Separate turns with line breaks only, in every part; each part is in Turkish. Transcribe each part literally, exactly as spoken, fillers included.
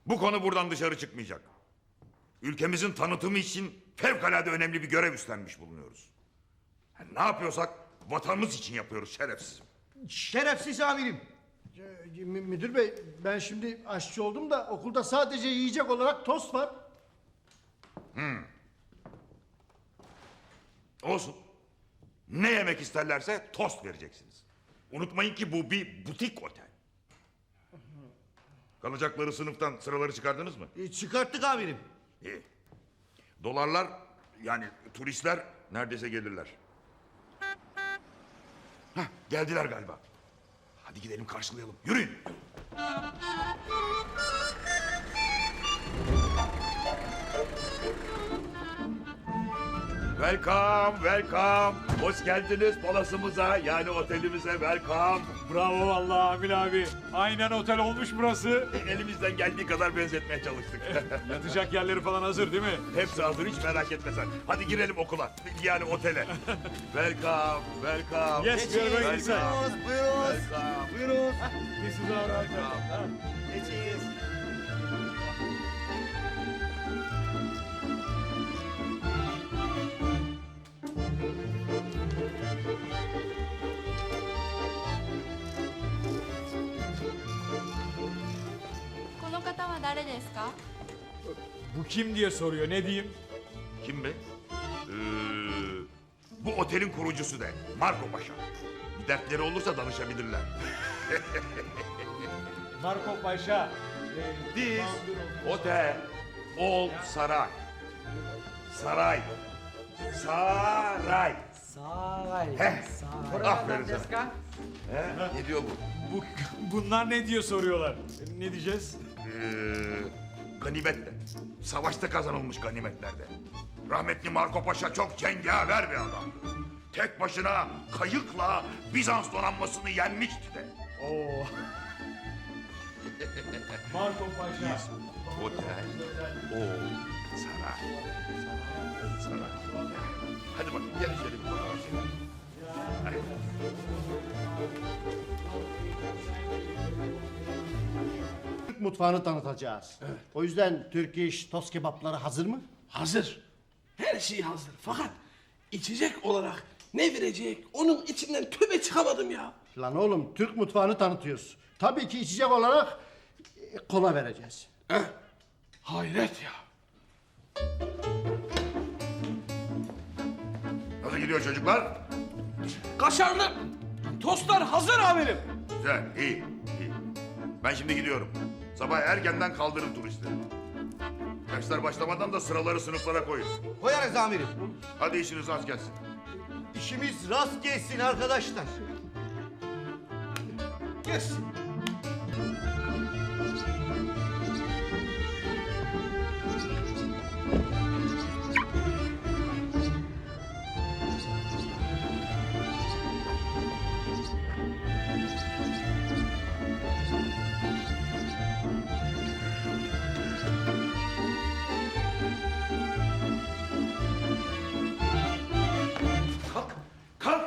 Bu konu buradan dışarı çıkmayacak. Ülkemizin tanıtımı için fevkalade önemli bir görev üstlenmiş bulunuyoruz. Yani ne yapıyorsak vatanımız için yapıyoruz şerefsizim.
Şerefsiz amirim. Ee, mü- Müdür bey, ben şimdi aşçı oldum da okulda sadece yiyecek olarak tost var.
Olsun. Ne yemek isterlerse tost vereceksiniz. Unutmayın ki bu bir butik otel. Kalacakları sınıftan sıraları çıkardınız mı?
Ee, çıkarttık amirim.
İyi. Dolarlar yani turistler neredeyse gelirler. Hah, geldiler galiba. Hadi gidelim karşılayalım. Yürüyün. Welcome, welcome. Hoş geldiniz palasımıza, yani otelimize welcome.
Bravo vallahi Amil abi. Aynen otel olmuş burası.
Elimizden geldiği kadar benzetmeye çalıştık.
Yatacak yerleri falan hazır değil mi?
Hepsi hazır, hiç merak etme sen. Hadi girelim okula, yani otele. Welcome, welcome.
Yes, we are very inside.
Buyurun.
Welcome.
Buyurun.
This is our hotel.
Geçiniz.
この方は誰ですか？
Bu kim diye soruyor, ne diyeyim?
Kim be? Ee, bu otelin kurucusu de, Marco Paşa. Bir dertleri olursa danışabilirler.
Marco Paşa.
This otel, old saray. Saray. Saray.
Saray.
Heh, aferin sana. He, ne diyor bu?
Bu, bunlar ne diye soruyorlar. Ne diyeceğiz?
Ee, ganimet de. Savaşta kazanılmış ganimetlerde. Rahmetli Marco Paşa çok cengaver bir adam. Tek başına kayıkla Bizans donanmasını yenmişti de.
Oo. Marco Paşa.
Otel, old saray. Saray. Hadi bakayım, gel şöyle bir bakalım. Hadi.
Türk mutfağını tanıtacağız. O yüzden Türk iş tost kebapları hazır mı?
Hazır. Her şey hazır. Fakat içecek olarak ne verecek? Onun içinden tövbe çıkamadım ya.
Lan oğlum, Türk mutfağını tanıtıyoruz. Tabii ki içecek olarak e, kola vereceğiz.
Heh. Hayret ya.
Nasıl gidiyor çocuklar?
Kaşarlı tostlar hazır amirim.
Güzel, iyi, iyi. Ben şimdi gidiyorum. Sabah erkenden kaldırın turistleri. Dersler başlamadan da sıraları sınıflara koyun.
Koyarız amirim.
Hadi işiniz rast gelsin.
İşimiz rast gelsin arkadaşlar.
Gelsin.
Kalk, kalk!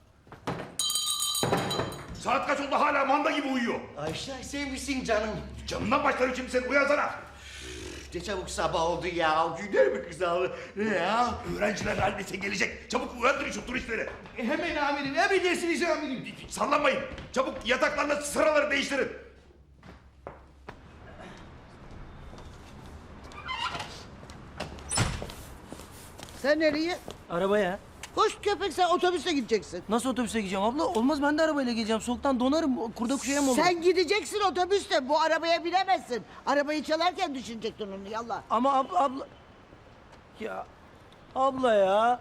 Saat kaç oldu, hala manda gibi uyuyor.
Ayşe sevmişsin canım.
Canından başlarım şimdi, sen uyansana.
Ne çabuk sabah oldu ya. Güler mi kızarlı? Ne ya?
Öğrenciler neredeyse gelecek. Çabuk uyandırın şu turistleri.
Hemen amirim, emredersiniz amirim.
Sallanmayın. Çabuk yataklarla sıraları değiştirin.
Sen nereye?
Arabaya.
Koş köpek, sen otobüse gideceksin.
Nasıl otobüse gideceğim abla? Olmaz, ben de arabayla geleceğim. Soğuktan donarım. Kurda kuşaya mı olur?
Sen gideceksin otobüste, bu arabaya binemezsin. Arabayı çalarken düşünecektin onu, yallah.
Ama abla, abla... Ya abla ya.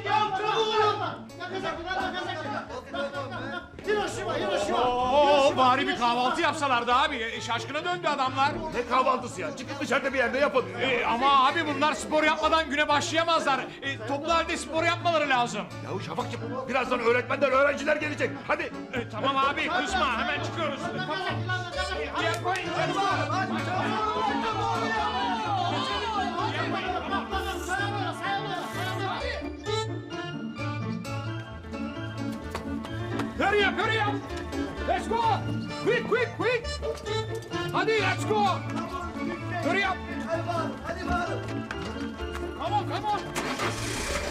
Hiroşima, Hiroşima.
Oo, bari bir kahvaltı yapsalardı abi. E, Şaşkına döndü adamlar.
Ne kahvaltısı ya? Çıkın dışarıda bir yerde yapın.
E, ama abi bunlar spor yapmadan güne başlayamazlar. E, toplu halde spor yapmaları lazım.
Yahu Şafakcığım birazdan öğretmenden öğrenciler gelecek. Hadi.
E, tamam abi kızma hemen çıkıyoruz. Tamam. E, yapmayın, Hurry up, hurry up! Let's go! Quick, quick, quick! Hadi, let's go! Hurry up! Come on, come on!